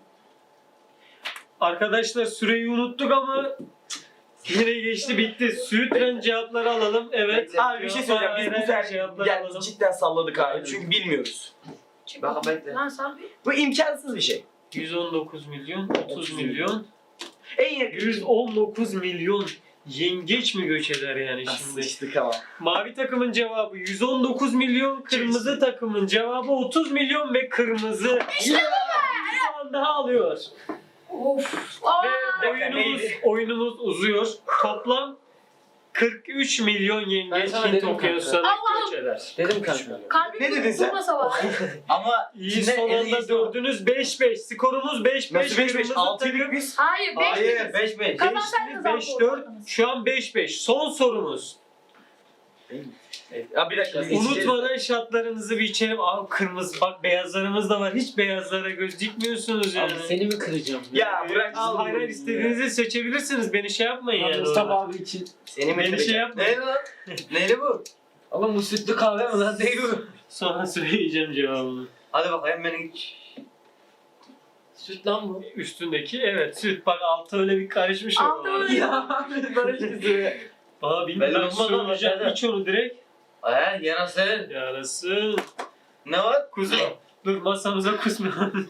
Speaker 1: Arkadaşlar süreyi unuttuk ama yine geçti bitti. Sütren cevapları alalım. Evet.
Speaker 3: Abi bir şey söyleyeceğim. Biz bu sefer
Speaker 1: cevapları alalım.
Speaker 3: cidden salladık abi. Çünkü bilmiyoruz.
Speaker 4: Çık
Speaker 5: Bak,
Speaker 4: bakayım.
Speaker 5: bekle.
Speaker 4: Lan sal bir.
Speaker 3: Bu imkansız bir şey.
Speaker 1: 119 milyon, 30 milyon.
Speaker 3: En yakın.
Speaker 1: 119 milyon yengeç mi göç eder yani şimdi?
Speaker 3: Sıçtık ama.
Speaker 1: Mavi takımın cevabı 119 milyon, kırmızı takımın cevabı 30 milyon ve kırmızı bir puan daha alıyor.
Speaker 4: Of.
Speaker 1: Ve oyunumuz uzuyor. Toplam 43 milyon
Speaker 2: Ben
Speaker 1: yengeç
Speaker 2: sana
Speaker 1: Hint
Speaker 2: dedim
Speaker 1: okyanusuna
Speaker 4: Allah'ım.
Speaker 1: göç eder.
Speaker 2: Dedim kanka.
Speaker 4: Kalbim
Speaker 3: Ne dedin sen?
Speaker 4: durmasa var.
Speaker 5: Ama
Speaker 1: İyi son anda dördünüz 5-5. Skorumuz 5-5.
Speaker 3: Nasıl 5-5?
Speaker 1: Kırmızı
Speaker 3: 6'ydık
Speaker 1: takım
Speaker 3: biz.
Speaker 4: Hayır 5
Speaker 5: Hayır
Speaker 4: dediniz.
Speaker 5: 5-5.
Speaker 4: Kazansaydınız
Speaker 1: 5-4. Şu an 5-5. Son sorumuz.
Speaker 3: Ya bir dakika. biz
Speaker 1: Unutmadan şartlarınızı bir içelim. Aa kırmızı bak beyazlarımız da var. Hiç beyazlara göz dikmiyorsunuz yani.
Speaker 2: Abi seni mi kıracağım?
Speaker 3: Ya bırak.
Speaker 1: Al hayır hayır istediğinizi seçebilirsiniz. Beni şey yapmayın yani.
Speaker 2: Mustafa abi için.
Speaker 3: Seni
Speaker 1: Beni şey yapmayın.
Speaker 5: Neydi lan? Neydi bu?
Speaker 2: Oğlum bu sütlü kahve mi lan?
Speaker 5: Neydi bu?
Speaker 1: Sonra söyleyeceğim cevabını.
Speaker 5: Hadi bakayım beni.
Speaker 2: Süt lan bu.
Speaker 1: Üstündeki evet süt. Bak altı öyle bir karışmış
Speaker 4: Altı
Speaker 1: orada.
Speaker 4: öyle.
Speaker 2: Ya barış kızı.
Speaker 1: Aa bilmiyorum
Speaker 5: Belli
Speaker 1: ben
Speaker 5: olmaz ama
Speaker 1: söyleyeceğim.
Speaker 5: şeyden.
Speaker 1: İç onu direkt.
Speaker 5: Yarası.
Speaker 1: Yarası.
Speaker 5: Ne var?
Speaker 1: Kusma. Dur masamıza kusma.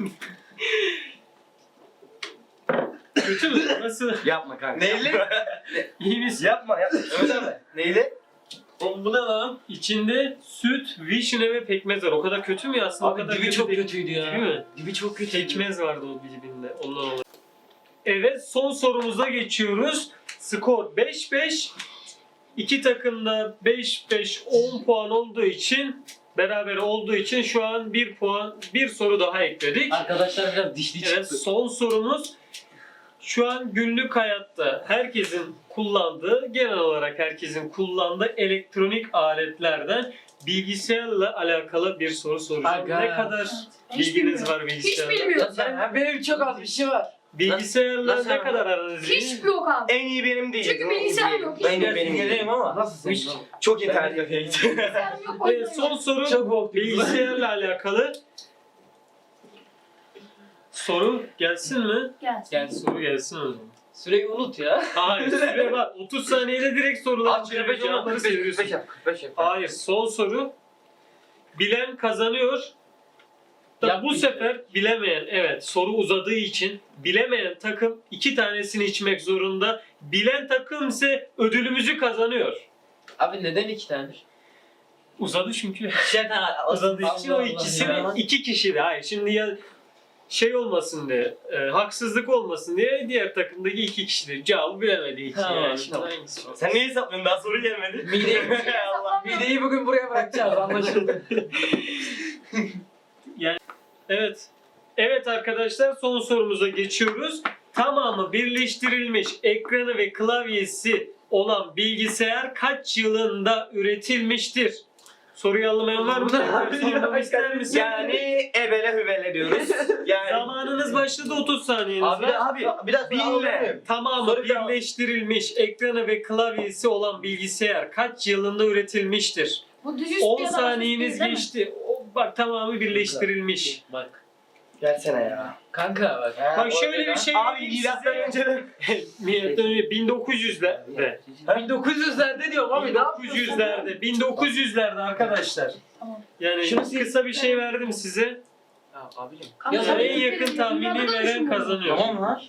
Speaker 1: Kötü mü? Nasıl?
Speaker 3: Yapma kanka.
Speaker 5: Neyli?
Speaker 1: İyi misin?
Speaker 3: Yapma yapma.
Speaker 5: Öyle mi? Neyli?
Speaker 1: Oğlum bu ne lan? İçinde süt, vişne ve pekmez var. O kadar kötü mü ya aslında? o
Speaker 2: Abi
Speaker 1: kadar
Speaker 2: dibi
Speaker 1: kötü
Speaker 2: çok
Speaker 1: değil.
Speaker 2: kötüydü ya.
Speaker 1: Değil mi?
Speaker 2: Dibi çok kötü.
Speaker 1: Pekmez vardı o dibinde. Ondan dolayı. Evet son sorumuza geçiyoruz. Skor 5-5. İki takım da 5-5 10 puan olduğu için beraber olduğu için şu an 1 puan bir soru daha ekledik.
Speaker 2: Arkadaşlar biraz dişli
Speaker 1: Evet
Speaker 2: çıktı.
Speaker 1: son sorumuz. Şu an günlük hayatta herkesin kullandığı, genel olarak herkesin kullandığı elektronik aletlerden bilgisayarla alakalı bir soru soracağım.
Speaker 2: Aga.
Speaker 1: Ne kadar
Speaker 4: Hiç
Speaker 1: bilginiz
Speaker 4: bilmiyorum.
Speaker 1: var
Speaker 4: Hiç
Speaker 1: bilgisayarla?
Speaker 4: bilmiyorum.
Speaker 2: Benim çok az bir şey var.
Speaker 1: Bilgisayarla
Speaker 5: Nasıl
Speaker 1: ne
Speaker 5: yani?
Speaker 1: kadar aranız iyi?
Speaker 4: Hiç yok abi.
Speaker 3: En iyi benim değil.
Speaker 4: Çünkü bilgisayar yok.
Speaker 3: En iyi
Speaker 5: Biraz
Speaker 3: benim değil.
Speaker 5: geleyim ama.
Speaker 2: Nasıl
Speaker 3: Hiç-
Speaker 2: sen?
Speaker 3: Çok internet kafeye gittim.
Speaker 4: Bilgisayarım yok. o yüzden
Speaker 1: Evet, son
Speaker 4: yok.
Speaker 1: soru
Speaker 2: Çok korktum.
Speaker 1: bilgisayarla alakalı. Soru gelsin mi?
Speaker 4: Gelsin.
Speaker 2: Gel.
Speaker 1: Soru gelsin o zaman.
Speaker 2: Süreyi unut ya.
Speaker 1: Hayır süre var. 30 saniyede direkt sorular
Speaker 5: Abi 45 olma.
Speaker 1: cevapları
Speaker 5: 45
Speaker 1: seviyorsun.
Speaker 5: yap. 45 yap.
Speaker 1: Hayır son soru. Bilen kazanıyor. Da
Speaker 2: Yap
Speaker 1: bu
Speaker 2: bir
Speaker 1: sefer bilemeyen evet soru uzadığı için bilemeyen takım 2 tanesini içmek zorunda. Bilen takım ise ödülümüzü kazanıyor.
Speaker 2: Abi neden 2 tane?
Speaker 1: Uzadı çünkü.
Speaker 5: Şeytan
Speaker 1: Uzadığı için
Speaker 2: Allah
Speaker 1: o
Speaker 2: Allah
Speaker 1: ikisini
Speaker 2: ya.
Speaker 1: 2 kişi de. Hayır şimdi ya şey olmasın diye, haksızlık olmasın diye diğer takımdaki 2 kişidir. Cevabı bilemediği için
Speaker 2: Tamam,
Speaker 1: yani. Şimdi
Speaker 2: tamam.
Speaker 1: hangisi var?
Speaker 3: Sen neyi hesaplıyorsun? Daha soru gelmedi.
Speaker 2: Mideyi,
Speaker 3: Allah.
Speaker 2: mideyi bugün buraya bırakacağız anlaşıldı.
Speaker 1: Evet. Evet arkadaşlar son sorumuza geçiyoruz. Tamamı birleştirilmiş ekranı ve klavyesi olan bilgisayar kaç yılında üretilmiştir? Soruyu anlamayan var mı? Tekrar sormamı ister misin?
Speaker 3: Yani ebele hüvele diyoruz. Yani
Speaker 1: Zamanınız başladı 30 saniyeniz
Speaker 3: abi
Speaker 1: var.
Speaker 3: abi bir dakika binle.
Speaker 1: Tamamı
Speaker 3: Soru cevap.
Speaker 1: birleştirilmiş ekranı ve klavyesi olan bilgisayar kaç yılında üretilmiştir?
Speaker 4: Bu düz üstü
Speaker 1: 10
Speaker 4: ya da
Speaker 1: saniyeniz
Speaker 4: hafif değil, değil mi?
Speaker 1: geçti. Bak tamamı birleştirilmiş.
Speaker 2: Bak.
Speaker 3: Gelsene ya.
Speaker 2: Kanka bak.
Speaker 1: Bak şöyle bir şey
Speaker 3: Abi
Speaker 1: vereyim
Speaker 3: milattan
Speaker 1: size.
Speaker 3: önce
Speaker 1: Milattan önce 1900'lerde.
Speaker 2: 1900'lerde diyorum abi ne yapıyorsun?
Speaker 1: 1900'lerde arkadaşlar.
Speaker 4: Tamam.
Speaker 1: Yani
Speaker 2: Şunu
Speaker 1: kısa bir şey verdim size.
Speaker 5: Ya abicim.
Speaker 4: Kanka,
Speaker 2: Ya
Speaker 4: sen
Speaker 1: en yakın
Speaker 4: Türkiye'de
Speaker 1: tahmini
Speaker 4: dünyada
Speaker 1: veren
Speaker 4: düşün bunu.
Speaker 1: kazanıyor.
Speaker 5: Tamam lan.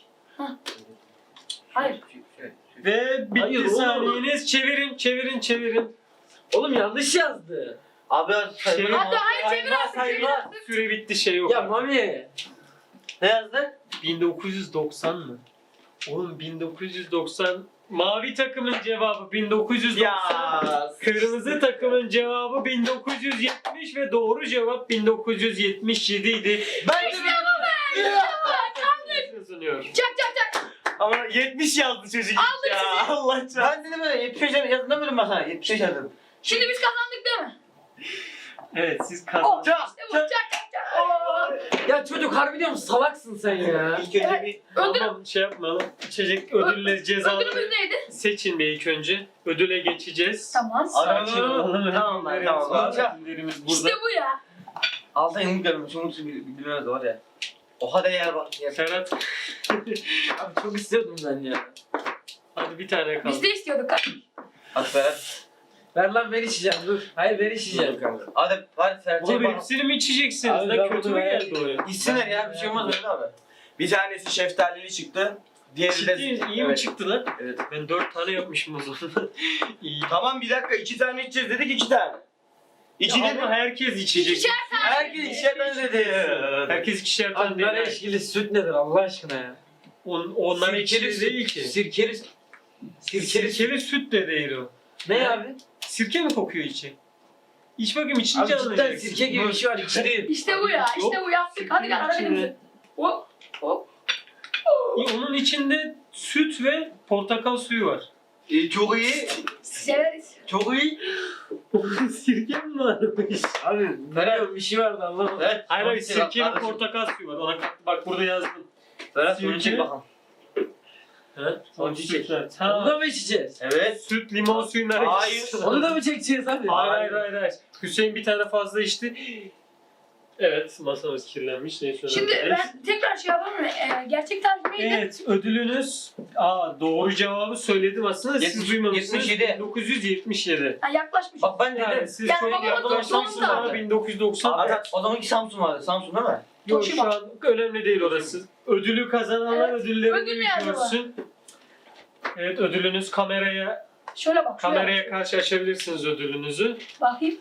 Speaker 4: Hayır.
Speaker 1: Ve bitti
Speaker 2: Hayır, oğlum.
Speaker 1: saniyeniz. Çevirin.
Speaker 2: Oğlum yanlış yazdı.
Speaker 5: Abi
Speaker 1: Şey-
Speaker 4: Hadi hayır çevir artık. Çevir
Speaker 5: sayma.
Speaker 4: artık.
Speaker 1: Süre bitti şey yok.
Speaker 2: Ya
Speaker 1: artık.
Speaker 2: Mami.
Speaker 5: Ne yazdı?
Speaker 1: 1990 mı? Oğlum 1990 mavi takımın cevabı 1990.
Speaker 3: ya.
Speaker 1: Kırmızı takımın cevabı 1970 ve doğru cevap 1977 idi.
Speaker 3: Ben de
Speaker 1: Kazanıyor.
Speaker 4: Çak çak çak.
Speaker 3: ama 70 yazdı çocuk. Ya Allah çarpsın.
Speaker 5: Ben dedim öyle 75 yazdım demedim ben sana. 75 yazdım.
Speaker 4: Şimdi biz kazandık değil mi?
Speaker 1: Evet siz kazandınız.
Speaker 3: Çak.
Speaker 4: İşte bu çak çak çak. Oo.
Speaker 2: Ya çocuk harbi diyorum salaksın sen ya.
Speaker 3: İlk önce bir
Speaker 4: Ödül,
Speaker 1: Tamam şey yapmayalım. İçecek ödülleri cezaları
Speaker 4: ödülümüz neydi?
Speaker 1: seçin bir ilk önce. Ödüle geçeceğiz.
Speaker 4: Tamam.
Speaker 1: Sakin olalım.
Speaker 3: Tamam lan,
Speaker 1: Ödüllerimiz
Speaker 3: tamam
Speaker 1: var.
Speaker 3: lan.
Speaker 1: Ödüllerimiz burada.
Speaker 4: İşte bu ya.
Speaker 5: Altın yumruk görmüş. Umut bilmez var ya. Oha da yer bak. Yer.
Speaker 1: Ferhat
Speaker 2: Abi çok istiyordum ben ya.
Speaker 1: hadi bir tane kaldı.
Speaker 4: Biz de istiyorduk.
Speaker 5: Hadi Berat.
Speaker 2: Ver lan ben içeceğim dur. Hayır ben içeceğim.
Speaker 5: Hadi hadi Ferhat.
Speaker 1: Oğlum
Speaker 5: Bak.
Speaker 1: hepsini mi içeceksiniz?
Speaker 2: Abi
Speaker 1: Ne
Speaker 2: ben
Speaker 1: kötü
Speaker 2: bunu
Speaker 1: mü
Speaker 2: ben-
Speaker 1: geldi oraya?
Speaker 5: İçsinler ya bir şey olmaz öyle abi.
Speaker 3: bir tanesi şeftalili çıktı. Diğeri de
Speaker 1: Ciddi iyi mi
Speaker 3: Evet.
Speaker 1: çıktı lan?
Speaker 3: Evet.
Speaker 1: Ben 4 tane yapmışım o zaman. İyi.
Speaker 3: Tamam bir dakika 2 tane içeceğiz dedik 2 tane. İki
Speaker 1: Ya
Speaker 3: dedim.
Speaker 1: ama herkes içecek.
Speaker 4: İkişer tane.
Speaker 5: Herkes işe benzedi.
Speaker 1: Herkes ikişer tane
Speaker 2: Abi
Speaker 1: değil.
Speaker 2: nar eşkili süt nedir Allah aşkına ya?
Speaker 1: Onlar ekşili değil ki.
Speaker 2: Sirkeli.
Speaker 1: Sirkeli süt de değil o.
Speaker 2: Ne abi?
Speaker 1: Sirke mi kokuyor içi? İç bakayım içince
Speaker 2: Abi cidden
Speaker 1: anlayacaksın.
Speaker 2: sirke gibi bir şey var içi değil.
Speaker 4: İşte bu ya. İşte bu yaptık. Hadi gel ara
Speaker 1: İçinde-
Speaker 4: benim. Hop hop.
Speaker 1: Onun içinde süt ve portakal suyu var.
Speaker 3: Çok iyi.
Speaker 4: Severiz.
Speaker 3: Çok iyi.
Speaker 1: Sirke mi varmış?
Speaker 2: Abi Berat bir şey vardı anlamadım.
Speaker 5: Evet.
Speaker 1: Hayır hayır
Speaker 5: Son bir
Speaker 1: sirke ve
Speaker 5: kardeşim.
Speaker 1: portakal suyu var. Ona bak burada yazdım.
Speaker 5: Berat
Speaker 1: Sirke.
Speaker 5: bunu çek bakalım.
Speaker 1: Ha?
Speaker 5: Son çiçek.
Speaker 1: Süt.
Speaker 2: Onu
Speaker 1: Ha.
Speaker 2: da mı içeceğiz?
Speaker 5: Evet.
Speaker 1: Süt, limon suyundan
Speaker 3: Hayır.
Speaker 1: ekşisi.
Speaker 2: Onu da mı çekeceğiz abi?
Speaker 1: Hayır. Hüseyin bir tane fazla içti. Evet masamız kirlenmiş. Neyse.
Speaker 4: Şimdi
Speaker 1: önemli değil.
Speaker 4: ben tekrar şey yapalım mı? Gerçek tarih neydi?
Speaker 1: Evet ödülünüz doğru cevabı söyledim aslında siz
Speaker 5: 70,
Speaker 1: duymamışsınız.
Speaker 5: 77.
Speaker 1: 1977.
Speaker 4: Ha, yaklaşmış.
Speaker 5: Bak ben
Speaker 1: Yani
Speaker 5: dedim.
Speaker 1: siz
Speaker 4: Yani
Speaker 1: çok
Speaker 4: babamın
Speaker 1: yaklaşmışsınız
Speaker 4: doktorunu
Speaker 1: ama
Speaker 4: da-
Speaker 1: 1990.
Speaker 5: Abi o zamanki Samsun vardı. Samsun değil mi?
Speaker 1: Yok
Speaker 4: Toshiba.
Speaker 1: şu an önemli değil orası. Ödülü kazananlar
Speaker 4: Evet,
Speaker 1: ödüllerini
Speaker 4: ödül ne acaba?
Speaker 1: görsün. Evet ödülünüz kameraya
Speaker 4: Şöyle bak. Şöyle
Speaker 1: kameraya karşı açabilirsiniz ödülünüzü.
Speaker 4: Bakayım.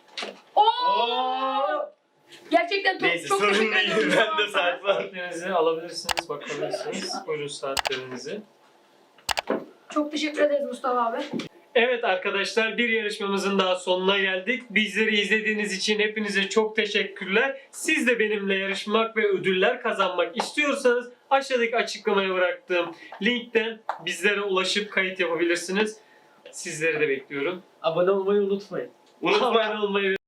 Speaker 4: Oo! Gerçekten çok,
Speaker 3: Neyse
Speaker 4: çok
Speaker 3: sorun
Speaker 4: teşekkür
Speaker 3: değil.
Speaker 4: ederim.
Speaker 3: Ben de saat var.
Speaker 1: Saatlerinizi alabilirsiniz, bakabilirsiniz. Buyurun saatlerinizi.
Speaker 4: Çok teşekkür ederiz Mustafa abi.
Speaker 1: Evet arkadaşlar bir yarışmamızın daha sonuna geldik. Bizleri izlediğiniz için hepinize çok teşekkürler. Siz de benimle yarışmak ve ödüller kazanmak istiyorsanız aşağıdaki açıklamaya bıraktığım linkten bizlere ulaşıp kayıt yapabilirsiniz. Sizleri de bekliyorum.
Speaker 2: Abone olmayı unutmayın.
Speaker 3: Unutma.
Speaker 1: Abone olmayı